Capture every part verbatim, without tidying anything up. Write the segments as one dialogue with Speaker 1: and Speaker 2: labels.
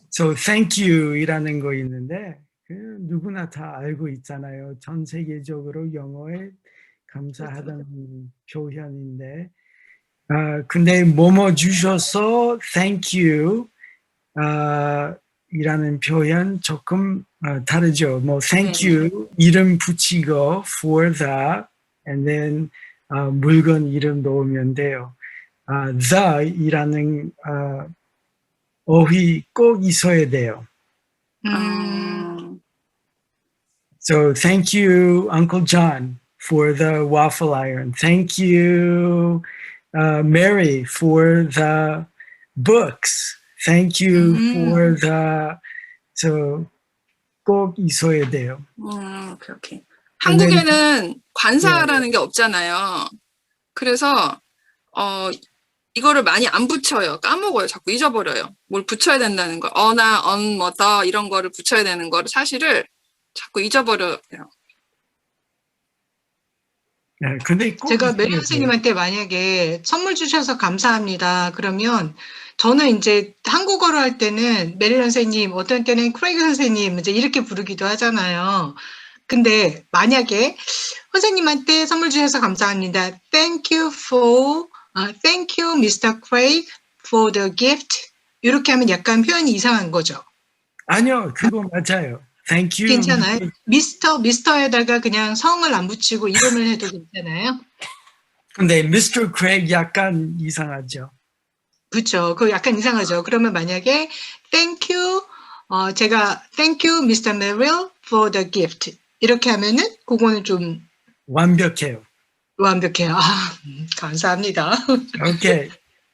Speaker 1: So thank you이라는 거 있는데 그 누구나 다 알고 있잖아요. 전 세계적으로 영어에 감사하다는 표현인데 아 근데 뭐뭐 주셔서 thank you 아 이라는 표현 조금 어, 다르죠. 뭐 thank
Speaker 2: 네.
Speaker 1: you 이름 붙이고 for the and then 어, 물건 이름 넣으면 돼요. 아, the이라는 어, 어휘 꼭 있어야 돼요.
Speaker 2: 음.
Speaker 1: So thank you, Uncle John, for the waffle iron. Thank you, uh, Mary, for the books. Thank you
Speaker 3: 음.
Speaker 1: for the so 꼭 있어야 돼요.
Speaker 2: 음, 오케이, 오케이.
Speaker 1: And then,
Speaker 2: 한국에는 관사라는 게 없잖아요. 그래서 어 이거를 많이 안 붙여요. 까먹어요. 자꾸 잊어버려요. 뭘 붙여야 된다는 거. 어나 언, 뭐, 더 이런 거를 붙여야 되는 거를 사실을 자꾸 잊어버려요.
Speaker 1: 네, 근데 꼭
Speaker 3: 제가
Speaker 1: 있어야
Speaker 3: 메리
Speaker 1: 돼요.
Speaker 3: 선생님한테 만약에 선물 주셔서 감사합니다. 그러면 저는 이제 한국어로 할 때는 메리 선생님, 어떤 때는 크레이그 선생님 이제 이렇게 부르기도 하잖아요. 근데 만약에 선생님한테 선물 주셔서 감사합니다. Thank you for, uh, thank you, 미스터 Craig, for the gift. 이렇게 하면 약간 표현이 이상한 거죠.
Speaker 1: 아니요, 그거 맞아요. Thank you.
Speaker 3: 괜찮아요? 미스터, 미스터에다가 그냥 성을 안 붙이고 이름을 해도 괜찮아요?
Speaker 1: 근데 미스터 Craig 약간 이상하죠.
Speaker 3: 그렇죠. 그 약간 이상하죠. 그러면 만약에 Thank you, 어, 제가 Thank you, 미스터 Merrill, for the gift. 이렇게 하면은 그거는 좀
Speaker 1: 완벽해요.
Speaker 3: 완벽해요. 아, 음, 감사합니다.
Speaker 1: 오케이.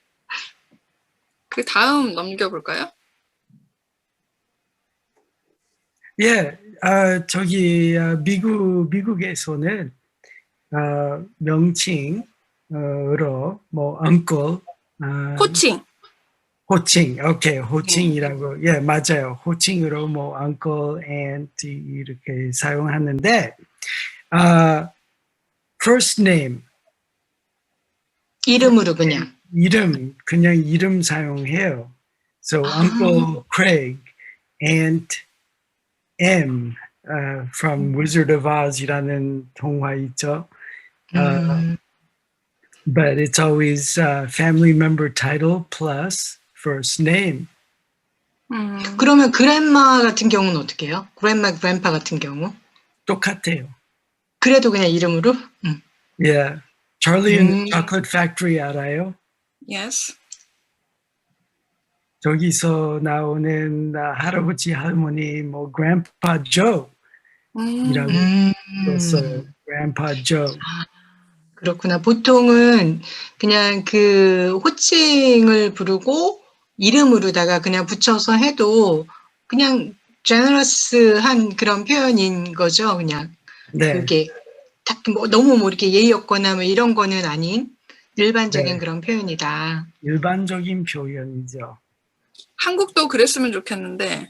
Speaker 2: 그 다음 넘겨볼까요?
Speaker 1: 예, 아, 저기 아, 미국 미국에서는 아, 명칭으로 뭐 uncle, 아,
Speaker 2: 호칭.
Speaker 1: 호칭, 오케이, 호칭이라고, 예, 맞아요. 호칭으로 뭐 uncle, aunt 이렇게 사용하는데, 아, first name
Speaker 3: 이름으로 그냥.
Speaker 1: 이름 그냥 이름 사용해요. So
Speaker 3: 아.
Speaker 1: Uncle Craig, Aunt M uh, from Wizard of Oz이라는 동화 있죠. Uh,
Speaker 3: 음,
Speaker 1: but it's always uh, family member title plus first name.
Speaker 2: 음.
Speaker 3: 그러면 그랜마 같은 경우는 어떻게 해요? 그랜마, 그랜파 같은 경우?
Speaker 1: 똑같아요.
Speaker 3: 그래도 그냥 이름으로? 음.
Speaker 1: Yeah. Charlie and the
Speaker 3: 음.
Speaker 1: Chocolate Factory 알아요?
Speaker 2: Yes.
Speaker 1: 저기서 나오는 uh, 할아버지 할머니 뭐 Grandpa Joe 이라고
Speaker 3: 음.
Speaker 1: 불렀어요. Grandpa Joe.
Speaker 3: 그렇구나. 보통은 그냥 그 호칭을 부르고 이름으로다가 그냥 붙여서 해도 그냥 제너러스한 그런 표현인 거죠. 그냥
Speaker 1: 네.
Speaker 3: 그게 딱 뭐 너무 뭐 이렇게 예의 없거나 뭐 이런 거는 아닌 일반적인
Speaker 1: 네.
Speaker 3: 그런 표현이다.
Speaker 1: 일반적인 표현이죠.
Speaker 2: 한국도 그랬으면 좋겠는데.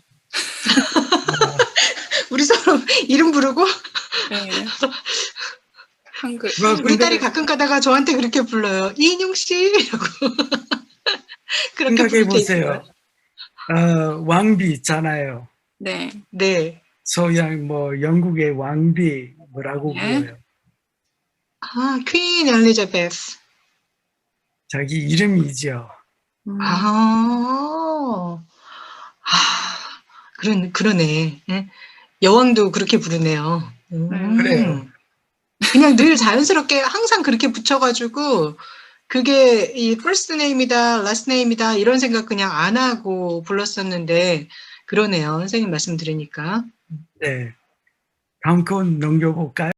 Speaker 3: 우리 서로 이름 부르고
Speaker 2: 네. 한글.
Speaker 1: 뭐,
Speaker 3: 우리
Speaker 1: 근데
Speaker 3: 딸이 가끔 가다가 저한테 그렇게 불러요. 이인용 씨 이러고 그렇게
Speaker 1: 생각해
Speaker 3: 부를 때
Speaker 1: 보세요.
Speaker 3: 있어요.
Speaker 1: 어, 왕비 있잖아요.
Speaker 2: 네.
Speaker 3: 네.
Speaker 1: 서양 뭐 영국의 왕비 뭐라고
Speaker 2: 네.
Speaker 1: 불러요?
Speaker 3: 아, 퀸 엘리자베스.
Speaker 1: 자기 이름이죠.
Speaker 2: 음.
Speaker 3: 아, 아, 그런, 그러네. 예? 여왕도 그렇게 부르네요. 음.
Speaker 1: 그래요.
Speaker 3: 그냥 늘 자연스럽게 항상 그렇게 붙여가지고, 그게 이 first name이다, last name이다, 이런 생각 그냥 안 하고 불렀었는데, 그러네요. 선생님 말씀 들으니까.
Speaker 1: 네. 다음 건 넘겨볼까요?